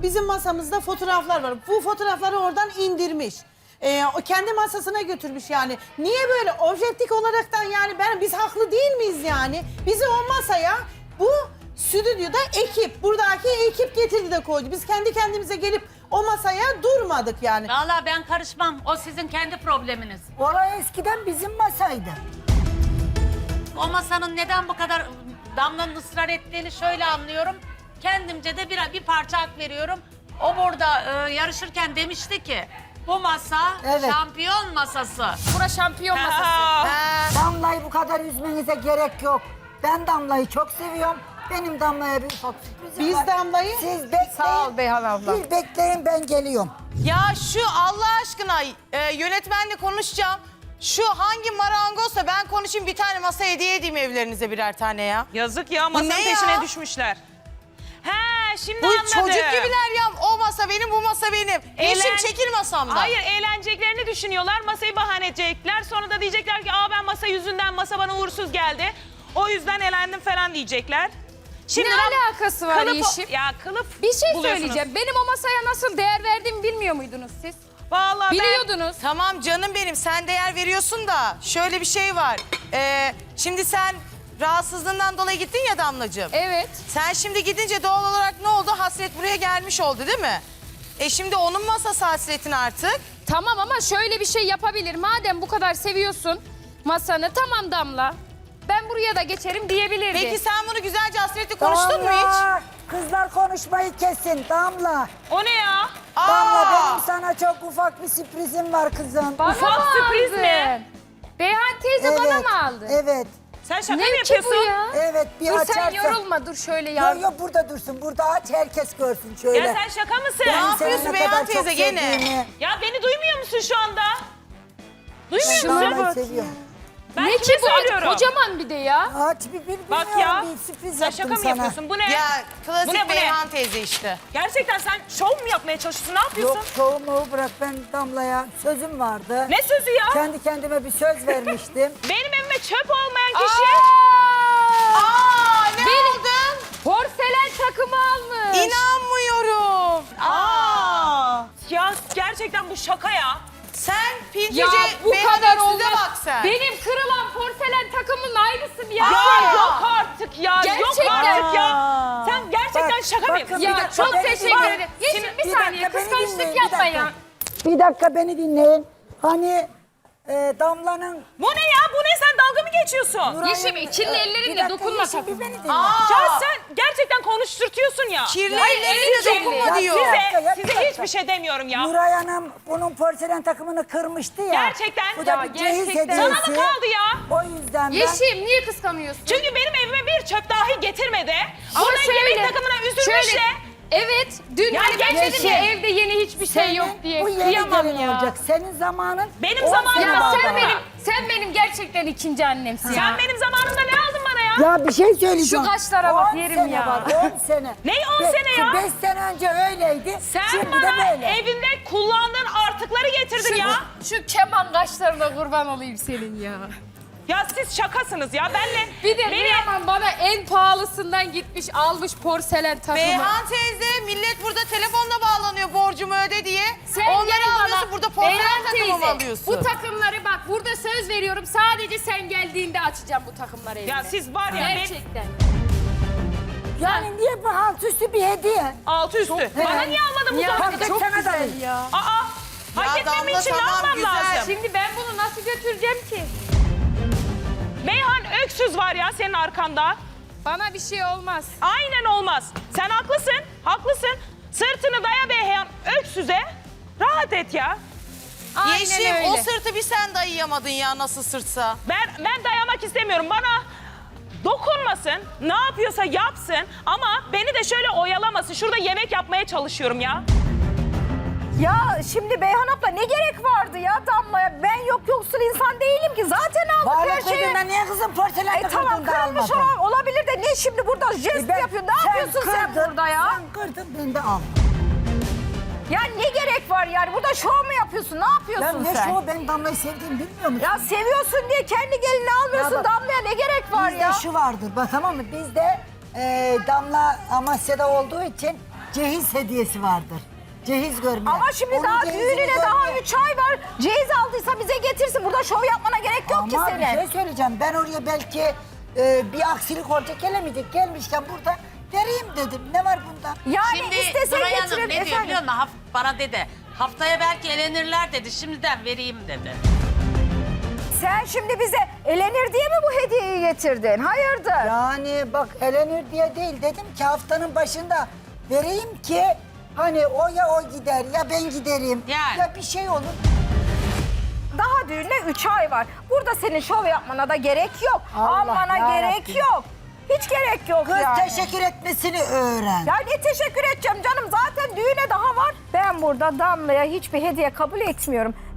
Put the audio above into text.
bizim masamızda fotoğraflar var. Bu fotoğrafları oradan indirmiş. O kendi masasına götürmüş yani. Niye böyle objektif olaraktan yani biz haklı değil miyiz yani? Bizi o masaya bu stüdyoda ekip, buradaki ekip getirdi de koydu. Biz kendi kendimize gelip o masaya durmadık yani. Vallahi ben karışmam. O sizin kendi probleminiz. Olay eskiden bizim masaydı. O masanın neden bu kadar Damla'nın ısrar ettiğini şöyle anlıyorum. Kendimce de bir parça hak veriyorum. O burada yarışırken demişti ki bu masa Evet. şampiyon masası. Bura şampiyon masası. Damla'yı bu kadar üzmenize gerek yok. Ben Damla'yı çok seviyorum. Benim Damla'ya bir ufak sürprizim Biz var. Damla'yı... Siz bekleyin. Sağ ol Beyhan abla. Bir bekleyin, ben geliyorum. Ya şu Allah aşkına yönetmenle konuşacağım. Şu hangi marangozsa ben konuşayım, bir tane masa hediye edeyim evlerinize birer tane ya. Yazık ya, masanın ne peşine ya? düşmüşler. He, şimdi Bu anladım. çocuk gibiler ya, o masa benim, bu masa benim. Yeşim Eğlen- çekil masamdan. Hayır, eğleneceklerini düşünüyorlar, masayı bahane edecekler. Sonra da diyecekler ki ben masa yüzünden, masa bana uğursuz geldi. O yüzden elendim falan diyecekler. Ne alakası var Yeşim? Ya kılıf Bir şey buluyorsunuz. söyleyeceğim. Benim o masaya nasıl değer verdiğimi bilmiyor muydunuz siz? Vallahi Biliyordunuz. Tamam canım benim, sen değer veriyorsun da şöyle bir şey var. Şimdi sen rahatsızlığından dolayı gittin ya Damlacığım. Evet. Sen şimdi gidince doğal olarak ne oldu? Hasret buraya gelmiş oldu değil mi? Şimdi onun masası hasretin artık. Tamam ama şöyle bir şey yapabilir. Madem bu kadar seviyorsun masanı, tamam Damla. Ben buraya da geçerim diyebilirdi. Peki sen bunu güzelce hasretle konuştun mu hiç? Damla, kızlar konuşmayı kesin. Damla. O ne ya? Damla, benim sana çok ufak bir sürprizim var kızım. Bana Ufak mı sürpriz aldın? mi? Beyhan teyze bana mı aldı? Evet. Sen şaka mı Ne ki yapıyorsun? bu ya? Evet, bir Dur açarsan. sen yorulma, dur şöyle ya. Yok yok, burada dursun. Burada aç, herkes görsün şöyle. Ya sen şaka mısın? Ne Seni yapıyorsun ne Beyhan kadar çok teyze gene? sevdiğimi. Ya beni duymuyor musun şu anda? Duymuyor Şuna musun? Damla'yı seviyorum. Ben Ne kime ki bu? söylüyorum? Kocaman bir de ya. Aç bir Bak bilmiyorum, ya. bir sürpriz Sen yaptım şaka mı sana. yapıyorsun? Bu ne? Ya klasik Bu ne, bu ne? Beyhan teyze işte. Gerçekten sen şov mu yapmaya çalışıyorsun? Ne yapıyorsun? Yok, şovumu bırak, ben Damla'ya sözüm vardı. Ne sözü ya? Kendi kendime bir söz vermiştim. Benim evime çöp olmayan kişi. Aa, ne Benim- aldın? Porselen takımı almış. İnanmıyorum. Ya gerçekten bu şaka ya. Sen Pintice Ya bu Beyhan kadar Öksüz'e olmaz. bak sen. Benim kırılan porselen takımın aynısı ya. Ya yok artık ya. Yok Gerçekten. artık ya. Sen gerçekten Bak, şaka mı bakın yapıyorsun? bir Ya dakika, çok beni teşekkür dinleyin. ederim. Yeşim bir Bir saniye, dakika, beni kıskançlık dinleyin, bir yapma dakika. ya. Bir dakika, beni dinleyin. Hani Damla'nın... Bu ne ya? Bu ne? Sen dalga mı geçiyorsun? Yeşim, kirli ellerinle dokunma Yeşim, sakın. bir beni dinle. Ya sen gerçekten konuşturtuyorsun ya. Kirli Hayır, elleriyle elin dokunma kirli. diyor. Ya, ya, Size bir dakika. hiçbir şey demiyorum ya. Nuray Hanım bunun porselen takımını kırmıştı ya. Gerçekten. Bu da Ya, bir cehiz gerçekten. hediyesi. Sana mı kaldı ya? O yüzden ben... Yeşim niye kıskanıyorsun? Çünkü benim evime bir çöp dahi getirmedi. Ama Burada şöyle, yemek takımına üzülmüş şöyle, de. Evet, dün Ya hani ben dedim Yeşim, ya evde yeni hiçbir şey yok diye. Bu yeni Kıyamam gelin ya. olacak. Senin zamanın... Benim 10 zamanım sene Ya var sen daha. benim gerçekten ikinci annemsin ya. Sen benim zamanımda ne aldın bana ya? Ya bir şey söyleyeceğim. Şu kaşlara bak, 10 yerim sene ya. var, 10 sene. Ne 10 sene ya? 5 sene önce öyleydi. Sen şimdi bana de böyle. evinde kullandığın artıkları getirdin ya. Şu keman kaşlarına kurban olayım senin ya. Ya siz şakasınız ya. Benle Bir de beni... Rüyaman bana en pahalısından gitmiş almış porselen takımı. Beyhan teyze, millet burada telefonla bağlanıyor borcumu öde diye. Sen Onları gel bana. alıyorsun, burada porselen Beyhan takımı mı teyze, alıyorsun? bu takımları bak burada söz veriyorum. Sadece sen geldiğinde açacağım bu takımları evine. Ya siz var ya Gerçekten. Yani niye bu halt üstü bir hediye? altı üstü. Bana niye almadın bu Ya zamana kadar? çok çok sana da güzel ya. Aa, hak etmem Damla, için ne tamam, yapmam güzel. lazım? Şimdi ben bunu nasıl götüreceğim ki? Beyhan Öksüz var ya senin arkanda. Bana bir şey olmaz. Aynen olmaz. Sen haklısın, haklısın. Sırtını daya Beyhan Öksüz'e. Rahat et ya. Aynen Yeşim, öyle. o sırtı bir sen dayayamadın ya, nasıl sırtsa. Ben dayamak istemiyorum. Bana dokunmasın, ne yapıyorsa yapsın ama beni de şöyle oyalamasın. Şurada yemek yapmaya çalışıyorum ya. Ya şimdi Beyhan abla ne gerek vardı ya Damla'ya? Ben yok yoksul insan değilim ki. Zaten aldık her Varlık şeyi. ödüğünden niye kızım porselen Tamam takımını da kırılmış almadın? olabilir de ne şimdi burada jest Ben- yapıyorsun? Ne yapıyorsun sen kırdın, burada ya? Sen kırdın, ben de al. Ya ne gerek var yani? Burada şov mu yapıyorsun? Ne Ya yapıyorsun ne sen? şu, ben Damla'yı sevdiğimi bilmiyor musun? Ya seviyorsun diye kendi gelini almıyorsun Ya bak, Damla'ya ne gerek var Bizde ya? şu vardır bak, tamam mı? Bizde Damla Amasya'da olduğu için cehiz hediyesi vardır. Cehiz görme. Ama şimdi Onun daha cehizini düğününe daha görme. 3 ay var. Cehiz aldıysa bize getirsin. Burada şov yapmana gerek yok ki Ama senin. bir şey söyleyeceğim. Ben oraya belki bir aksilik olacak gelemeyecek. Gelmişken burada vereyim dedim. Ne var bunda? Yani Şimdi istesen Nuray Hanım getirin ne diyor efendim. biliyor musun? Bana dedi. Haftaya belki elenirler dedi. Şimdiden vereyim dedi. Sen şimdi bize elenir diye mi bu hediyeyi getirdin? Hayırdır? Yani bak elenir diye değil. Dedim ki haftanın başında vereyim ki hani o ya o gider ya ben giderim. Yani. Ya bir şey olur. Daha düğüne 3 ay var. Burada senin şov yapmana da gerek yok. Allah Almana yarabbim. gerek yok. Hiç gerek yok Kız yani. teşekkür etmesini öğren. Ya ne teşekkür edeceğim canım? Zaten düğüne daha var. Ben burada Damla'ya hiçbir hediye kabul etmiyorum.